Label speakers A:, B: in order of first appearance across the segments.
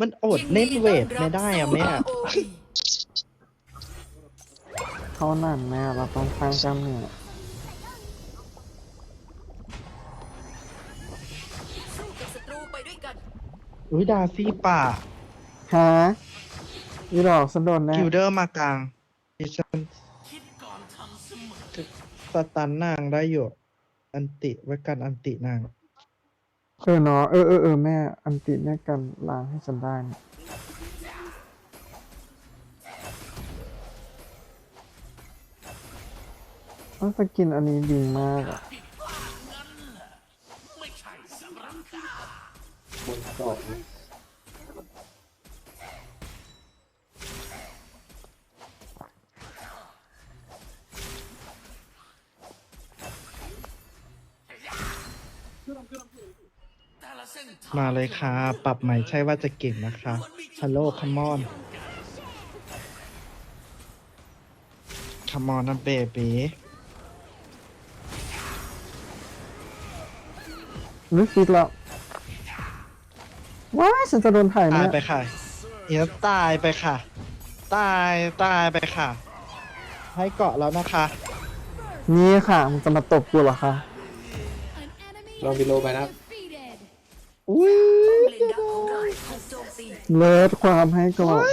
A: มันอดเล่นเวทไม่ได้อะแม่
B: เขาหนันแม่เราต้องสร้างกล้ามเนื้อ
C: สู้กับศัตรูไปด้วยกัน
A: อุ้ยดาซี่ป่า
B: ฮะอีดอกสันโดนแน่
A: กิลเดอร์มากลางดิฉันสตันนางได้อยู่อันติไว้กันอันตินาง
B: เนาะแม่อันติแม่กันล้างให้ฉันได้นะสกินอันนี้ดีมากอะ
D: บนสอง
A: มาเลยค่ะปรับใหม่ใช่ว่าจะเก่งนะคะฮัลโหลคัมมอนคัมมอนนะเบบี
B: นึกคิดแล้วว้ายฉันจะโดนถ่าย
A: ตาย
B: เนี่ย
A: ไปค่ะเอียตายไปค่ะ ตายไปค่ะ ให้เกาะแล้วนะคะ
B: นี่ค่ะมันจะมาตบกูเหรอคะ
D: ลองวิโลไปนะครับ
A: อุ้ย
C: เลนดักของเราถูกโจมตี
B: เลิศความให้ก่อน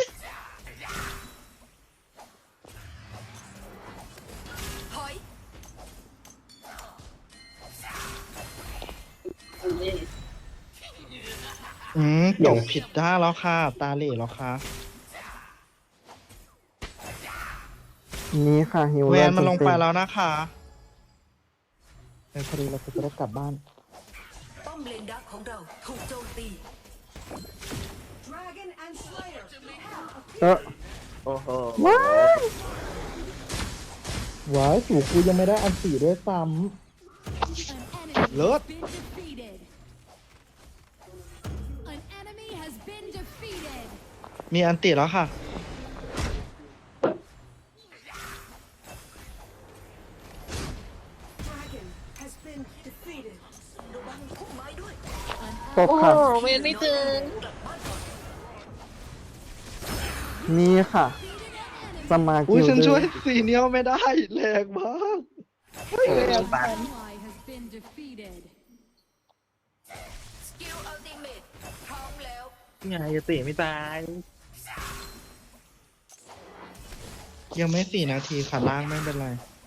C: ถอย
A: ตกผิดด้านแล้วค่ะ ตาเหล่แล้วค่ะ
B: นี่ค่ะหิว
A: แวนมัน
B: เต็
A: ลงไปแล้วนะคะในพอดีเราจะได้กลับบ้าน
C: ป้อมเลนดักของเราถูกโจมตี
D: โอ้โห
B: ว้าย
A: ว้ายสู่กูยังไม่ได้อันสี่ด้วยซ้ำเลิศ มีอันติแล้วค่ะ
C: ระวังพุ่มไม้ด้วย
B: ตบค่ะ
C: เวนไม่ถึง
B: นี่ค่ะจะมา
A: อุ้
B: กิ
A: ย
B: ล
A: ฉัน
B: เด
A: ช่
B: อ
A: วย
B: ร์
A: ซีเนียลไม่ได้ แรงมาก
C: สกิลอัลติเมทพร้อมแล้ว
D: ไงจะตีไม่ตาย
A: ยังไม่4 นาทีค่ะล่างไม่เป็นไร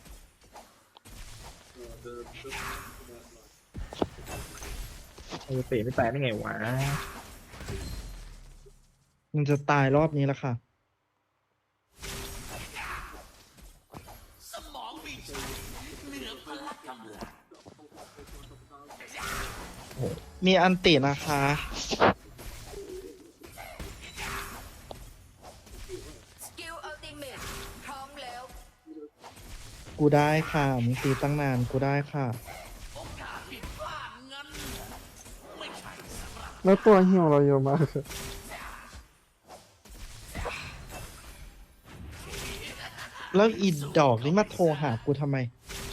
D: จะตีไม่ตายได้ไงวะ
A: มันจะตายรอบนี้แล้วค่ะ มีอันตินะคะ
C: สกิลอัลติเมทพร้อมแล้ว
A: กูได้ค่ะมึงตีตั้งนานกูได้ค่ะ
B: แล้วตัวหิวเราเยอะมาก
A: แล้วอีดอกนี่มาโทรหากูทำไม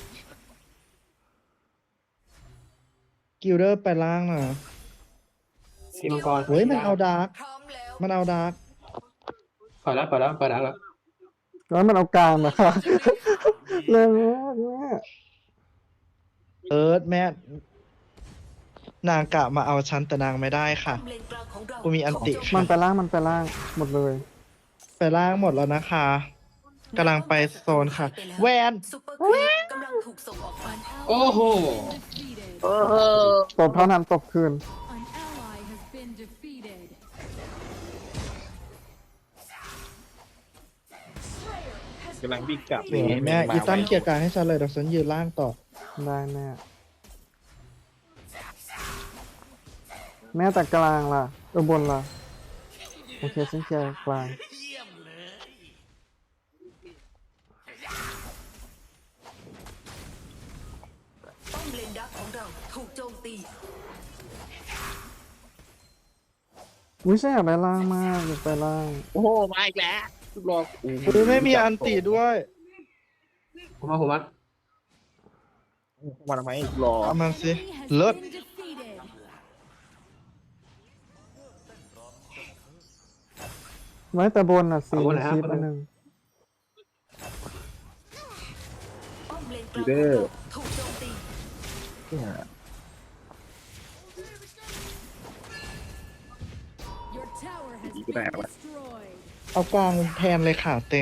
A: กิลเดอร์ไปล่างนะ
D: ทีมังกร
A: เฮ้ยมันเอาดาร์ก
C: พร้อมแล้ว
A: มันเอาดาร์ก
D: ปล่อยแล้วปล่อยแล้วปล่อยแล้ว
B: แล้วมันเอากลางนะคะเร็วมากแม่
A: แม่นางกะมาเอาฉันแต่นางไม่ได้ค่ะ
C: เลนกลางของเรา
A: กูมีอันติ
C: ถูกโจ
B: มัน
C: ตี
B: ไปล่างหมดเลย
A: ไปล่างหมดแล้วนะคะกำลังไปโซนค่ะ แวน
C: ซุปเปอร์ครีปกำลังถูกส่งออกไป
D: โอ้โห
B: ตบเท่านั้นตบคืน
D: กำลังวิ่งกลับ
A: สวยแม่อีตั้มเกียร์กลางให้ฉันเลยเดี๋ยวฉันยืนล่างต่อ
B: ได้แม่แม่แต่กลางล่ะบนล่ะโอเคฉันเคลียร์กลาง
C: ป้อมเลนดักของเราถูกโจมตี
B: อุ้ยฉันอยากได้ล่างมากอยากไปล่าง
D: โอ้โหมาอีกแล้วรอ
A: กูไม่มีอันติด้วย
D: ผมมามาทำไมรอ
A: เอามันสิเลิศ
B: ไว้แต่บนอ่ะสี่
D: เอาบนนะ
B: คลิป
D: เอาบน
B: อันหนึ่ง
C: ป้อมเลนก
D: ดี
C: ลาง
D: เด้อ
C: ถูกโจมตี
D: เนี่ย
E: Your tower has
D: Gì
E: been
D: cái nào ạ?
E: destroyed.
A: เอากลางแทนเลยค่ะเต็ง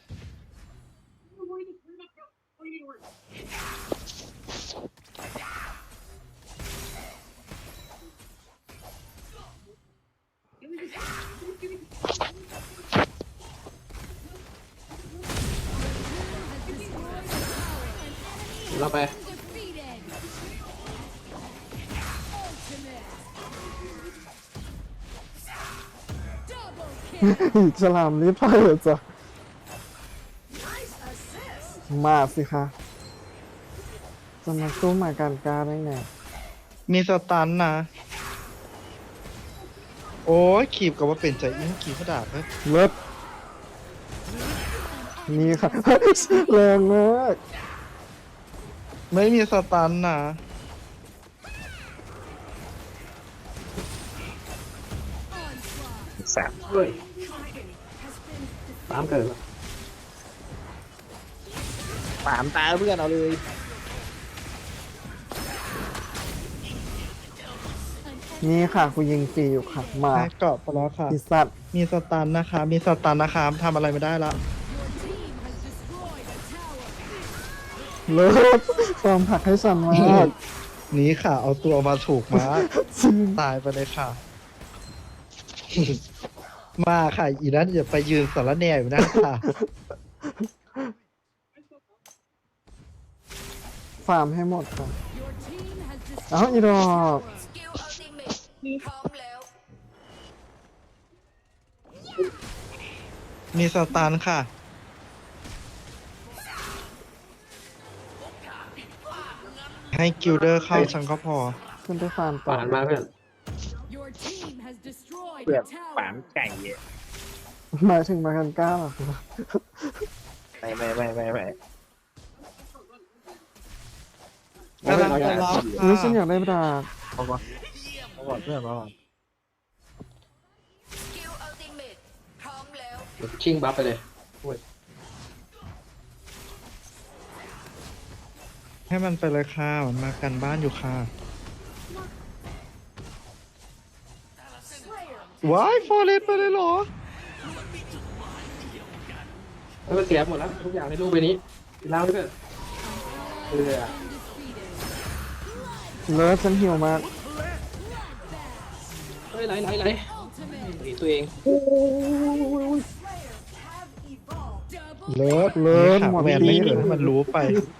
D: เราไป
E: Defeated. Ultimate. Double kill.
B: ฉลามลิฟต์เลยจ้ะ
E: Nice assist.
B: มาสิคะจะมาสู้หมาการกาได้ไง
A: มีสตันนะ โอ้ยขีบกับว่าเป็นใจอิงขีบกระดาษเลย
B: เลิศนี่ค่ะ แรงมาก
A: ไม่มีสตันนะ
E: Onslaught.
D: แสบเฮ้ยตามเกิดปามตาเพื่อนเอาเลย
B: นี่ค่ะกูยิงฟรีอยู่ค่ะ มา
A: ให้เกาะไปแล้วค่ะ
B: อีสัตว์
A: มีสตันนะคะ มีสตันนะคะทำอะไรไม่ได้ละ
E: Your team has destroyed a tower.
B: เลิศความผลักให้ฉันมาก
A: นี้ค่ะ เอาตัวมาถูกมา
B: จริง
A: ตายไปเลยค่ะ มาค่ะ อีนั้นอย่าไปยืนสารแหน่อยู่นั่นค่ะ
B: ฟาร์มให้หมดค่ะ
E: Your team has
B: เอ้า
E: destroyed
B: อีดอก
C: สกิลอัลติเมทพร้อมแล้ว
A: มีสตันค่ะ ให้กิลเดอร์เข้าฉันก็พอ
B: ขึ้นไปฟาร์มต่อ
D: ปานมาเพื่อน
E: Your team has destroyed
D: เพื่อน
E: a
D: ปาน
E: tower.
D: ไก่เย่
B: หมายถึงมากันก้าเหรอ
D: ไม่
A: กำลังจะล็อก
B: หรือฉันอยากได้ดาบ
D: เอาก่อนเอาก่อนเพื่อนเอาก่อน
C: สกิลอัลติเมทพร้อมแล้ว
D: ชิงบัฟไปเลย
A: ให้มันไปเลยค่ะ มันมากันบ้านอยู่ค่ะ ว้ายฟอร์เรสไปเลยเหรอ
D: แล้วมันเสียหมดแล้วทุกอย่างในรูปใบนี้แล้วเพื่อนเรือ
E: Undefeated.
B: เลิศฉันหิวมาก
D: เฮ้ยไหล
E: Ultimate.
D: หนีตัวเอง
E: Double
A: เลิศ
B: เลิศ
A: นี่ค่ะ
B: หมด
A: แวนไม่
B: ที่
A: เหลือให้มันรู้ไป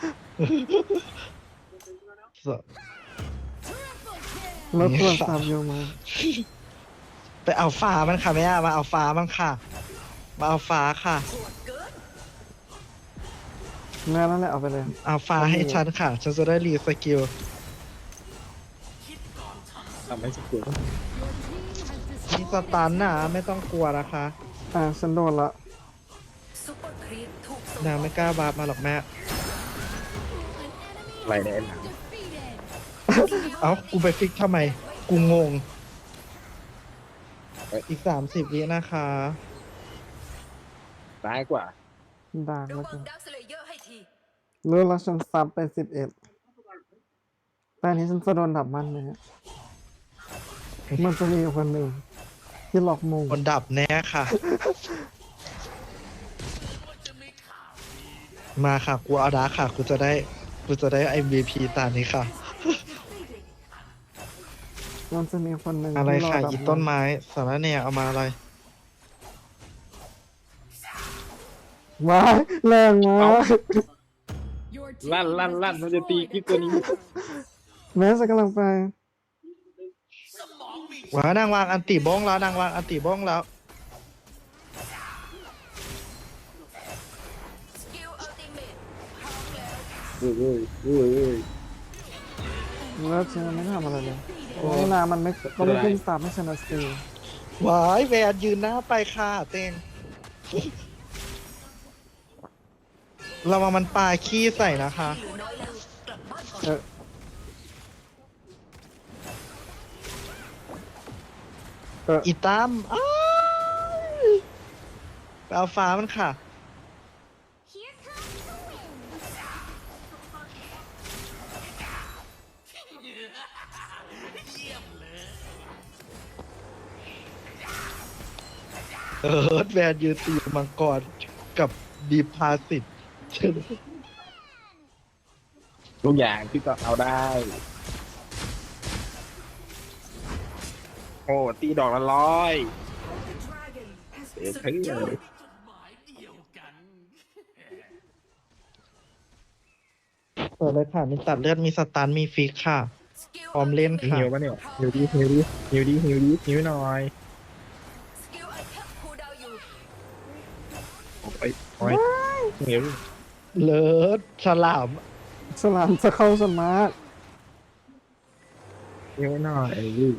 E: triple kill.
B: เลิศตรวจสอบอยู่มาก
A: ไปเอาฟ้ามันค่ะแม่มาเอาฟ้ามันค่ะ มาเอาฟ้าค่ะ
B: แม่นั่นแหละเอาไปเลย
A: เอาฟ้าให้ฉันค่ะ ฉันจะได้รีสกิล
D: ทำให้สกิล
E: Your team has
A: มี
E: destroyed
A: สตันนะไม่ต้องกลัวนะคะ
B: ฉันโดนละ
C: ซุปเปอร์ครีปถูกส่ง
A: นางไม่กล้าบาปมาหรอกแม่
D: ไหลในหนัง
E: defeated.
A: เอ้า กูไปฟิกทำไม กูงง อีก30 วินะคะ
D: ร้ายกว่า
B: ด่าง
C: ระ
B: แล้ว
C: วั
B: กั
C: ง
B: น
C: ดักสเลเยอร์ให้ที
B: เลิศแล้วฉันซับไป11แต่อันนี้ฉันจะโดนดับมันไหมฮะมันจะมีอยู่คนหนึ่งที่หลอกมุง
A: คนดับแน่ค่ะ มาค่ะ กูเอาดาร์คค่ะ กูจะได้ MVP ตานี้ค่ะ
B: มันจะมีคนหนึ่ง
A: อะไร
B: ที่รอ
A: ค่ะ
B: ดับ
A: อี
B: มั
A: ต้นไม้สารแหน่เอามาอะไร
B: ว้ายแรงมาก
E: Your team
D: ลั่น
E: has
D: มันจะตี
E: destroyed
D: กิ๊
E: a
D: กตัวนี้
E: tower.
B: แม้จะกำลังไป
A: ว้านางวางอันติบ้องแล้วนางวางอันติบ้องแล้ว
C: สกิลอัลติเมทพร้อมแล้ว
D: เฮ้ย
B: แล้วฉันยังไม่ทำอะไรเลยนี่นามันไม่ก็ไม่ขึ้นซับให้ฉันนะสิ
A: ว้ายแวนยืนหน้าไปค่ะเต็งระวังมันปลาขี้ใส่นะคะ
C: เหลือน้อยแล้วกลับบ้านก่อน
B: เออ
A: อีตั้มอ้ายไปเอาฟ้ามันค่ะ
C: Here comes the wind.
A: แวนยืนตีมังกรกับดีพาสิต
F: ทุกอย่างพี่ก็เอาได้ โอ้ตีดอกละร้อยเสียทั้งเลย
A: เปิดเลยค่ะ มีตัดเลือด มีสตัน มีฟิกค่ะ
C: Skill
A: พร้อม
C: of
A: เล่น
C: the
A: ค่ะ
F: หิวปะเนี่ยหิวดิหิวดิหิวดิหิวดิหิวหน่อย
C: Skill item cooldown อยู่
F: โอ้ยโอ้ยหิว
A: เลิศฉลาม
B: ฉลามจะเข้าสมาร์ท
F: หิวหน่อยลูก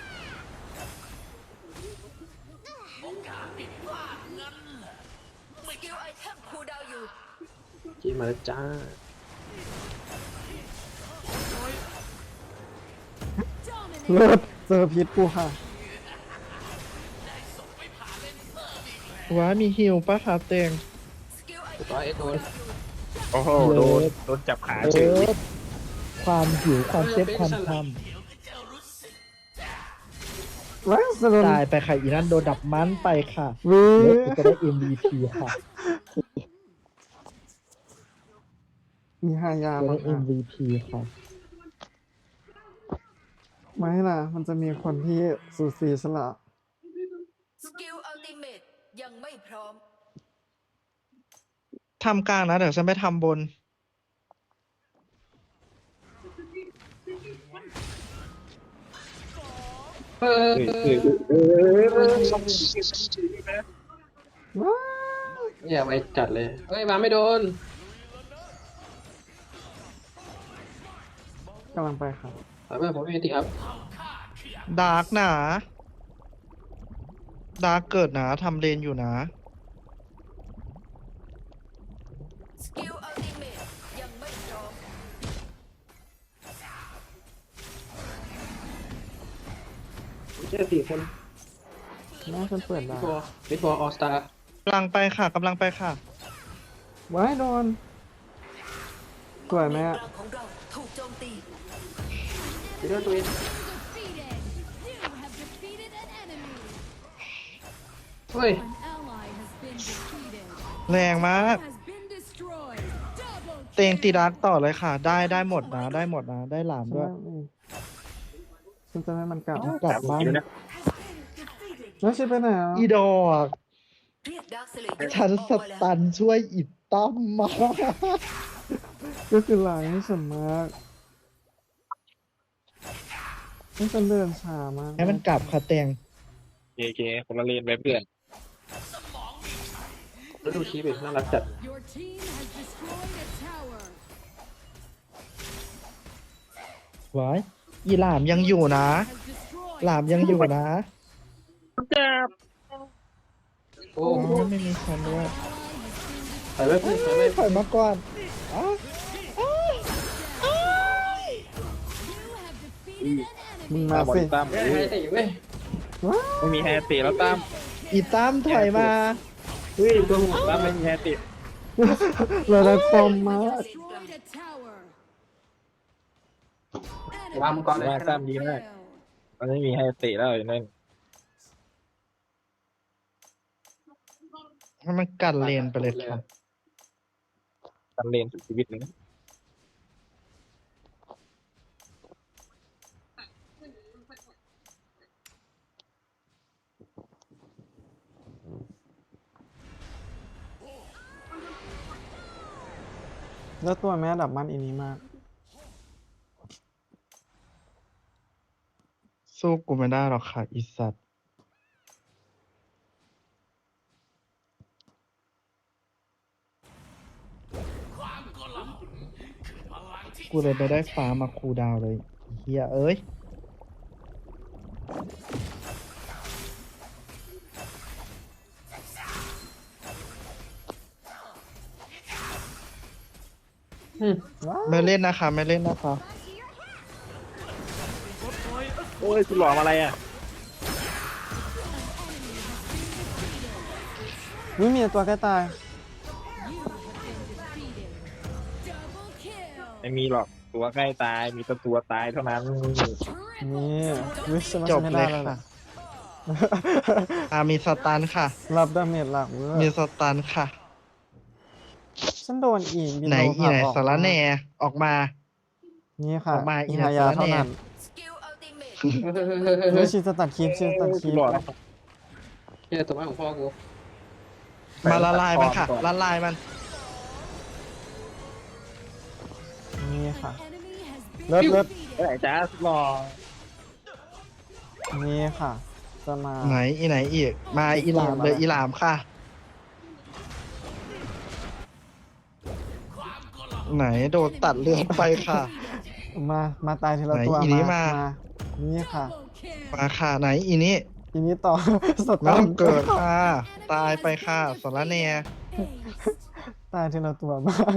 C: Skill item cooldown อยู่
D: จีมาแล้วจ้า
E: Dominate.
B: เลิศเจอพิษกูค่ะ
A: ว้ามีฮิวปะคะเตง
C: Skill
D: ถูก
C: item
D: ร้อยโดน
F: โอ้โหโดนจับขาเฉ
A: เอย อความหิว ความเจ็บ ความท
B: ว้าวสโดน
A: ำตายไปค่ะ อีนั่นโดนดับมันไปค่ะ
B: วี
A: เลิศกูจะได้ MVP ค่ะ
B: มีหายา
A: จะ
B: บ้า
A: ได้
B: งค่ะ
A: MVP ค่ะ
B: ไม่นะมันจะมีคนที่สูสีฉลาด
C: Skill ultimate ยังไม่พร้อม
A: ทำกลางนะ เดี๋ยวฉันไปทำบน
D: เออ
B: ว้าว
D: อย่าไปจัดเลย เฮ้ยมาไม่โดน
B: กำลังไปค่ะ
D: ถอยมาผมไม่มีติครับ
A: ดาร์กหนา ดาร์กเกิดหนาทำเลนอยู่นะ
C: Skill ultimate ยังไม่พร้อม
D: เชื่อสี่คน
B: น่าฉันเปิดได้
D: บิดบอลออสตาก
A: ำลังไปค่ะ กำลังไปค่ะ
B: ว้ายโดนสวยไหม
C: ก
B: อะ
C: ลางของเราถูกโจมตี
D: บิดบอลตัวเอง
E: Defeated. You have defeated an enemy.
D: เฮ้ย
E: An ally has been defeated.
A: แรงมาก
E: Has been destroyed. Double
A: เตงตี
E: kill.
A: ดาร์กต่อเลยค่ะ ได้หมดนะ ได้หมดนะ ได้หลาม
B: ฉัน
A: ด้วย
B: ไม่ฉันจะให้มันกลับ
A: กลับบ้าน
F: หิวนะ
B: แล้วฉันไปไหนอ่ะ
A: อีดอก
C: เรียกดาร์คสเลเยอร์
A: ฉัน
C: ออก
A: ส
C: มาแล้ว
A: ตันช่วยอิดตั้มมา
B: ก็คือหลังให้ฉันมากให้ฉันเดินช้ามาก
A: ให้มันกลับค่ะเตง
F: เคคนละเลนไปเพื่อน
D: แล้วดูชีพน่ารักจัด
E: Your team has destroyed a tower.
A: ไว้อีหลามยังอยู่นะ
E: Has destroyed.
A: หลามยังอยู่นะ
D: โอ้
A: อ๋อไม่มีฉันด้วย
D: ถอยไปเพื่อนถอยไป
A: ถอยมาก่อนอ๋อ
E: You have defeated an
B: มึง
E: enemy.
B: มา
F: บอ
B: สิ
F: ลตั้ม
D: เฮ้ยให้ตีเว้ย
B: ว้าว
F: ไม่มีแฮร์ตีแล้วตั้ม
A: อีตั้มถอยมา
D: เฮ้ยตัวหัว
F: ตั้มไม่มีแฮร์ตี
B: เลยได้ฟอร์มมาก
E: Destroyed a tower.
D: วางมังกรเลย
F: ว่าตั้มดีมาก
E: Failed.
F: มันไม่มีแฮร์ตีแล้วอย่างนั้น
A: ให้มันกันเลนไปเลยค่ะ
F: ตันเลนสุดชีวิตเลยนะ
B: แล้วตัวแม่ดับมันอีนี้มาก
A: สู้กูไม่ได้หรอกค่ะอีสัตว์ กูเลยไปได้ฟ้ามาคูลดาวน์เลยเฮียเอ้ย ไม่เล่นนะคะ ไม่เล่นนะคะ
F: โอ้ยคุณหลอกอะไรอ่ะ
B: วนี่มีตัวใกล้ตาย
E: You have been defeated. Double kill.
F: ไม่มีหรอกตัวใกล้ตายมีแต่ตัวตายเท่านั้น
B: นี่วิชมา
A: จบ
B: ไม่
A: เล
B: ได้
A: ย
B: แล้ว
A: ค่ะ
B: นะ
A: มีสตันค่ะ
B: รับดาเมจหลักเวอ
A: มี
B: ร์
A: สตันค่ะ
B: ฉันโดนอีกบิ
A: ไหน
B: โล
A: อี
B: ผลัก
A: ไหน
B: ออก
A: สารแหนออกมา
B: นี่ค่ะ
A: ออกมาอี
B: อี
A: ไหน
B: ฮายา
A: สารแหน่
B: เท่านั้น
C: Skill ultimate
B: เฮ้ยชีจะตัดคลิปชีจะตัดคลิป
F: หลอด
D: เนี่ยตัวบ้านของพ่อกู
A: มาละลายมันค่ะ ละลายมัน
B: นี่ค่ะ
E: Enemy has been
B: เลิศเลิศ
F: เอ้ยจ้าหลอด
B: นี่ค่ะ จะมา
A: ไหนอีไหนอีก มาอีหลามเลยอีหลามค่ะ ไหนโดนตัดเลือดไปค่ะ
B: มาตายทีละตัว
A: ไหนอีนี้มา
B: นี่ค่ะ
E: double kill.
A: มาค่ะไหนอีนี้
B: ทีนี้ต่อ ส
A: ไม่
B: ตา
A: ต้อ
B: ร์
A: งเกิดค่ะ ตายไปค่ะสารแหน
B: ตายทีละตัวมาก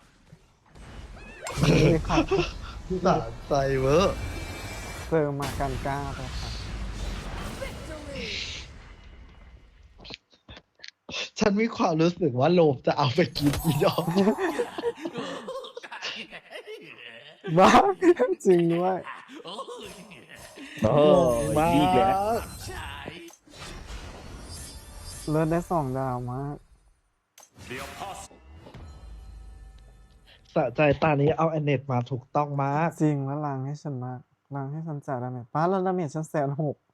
B: นี่ค่ะ
A: สะใจเวอร์
B: เจอมากันก้าไปค่ะ
A: ฉันมีความรู้สึกว่าโลมจะเอาไปกินอีดอก
B: บ้าจริงด้วย
F: โอ้ยดีอีกแล้ว
B: เลิศได้2 ดาวมาก
A: สะใจตานี้เอาแอนเนตมาถูกต้องมาก
B: จริงแล้วล้างให้ฉันมากล้างให้ฉันจ่ายดาเมจป้าแล้วดาเมจฉัน160,000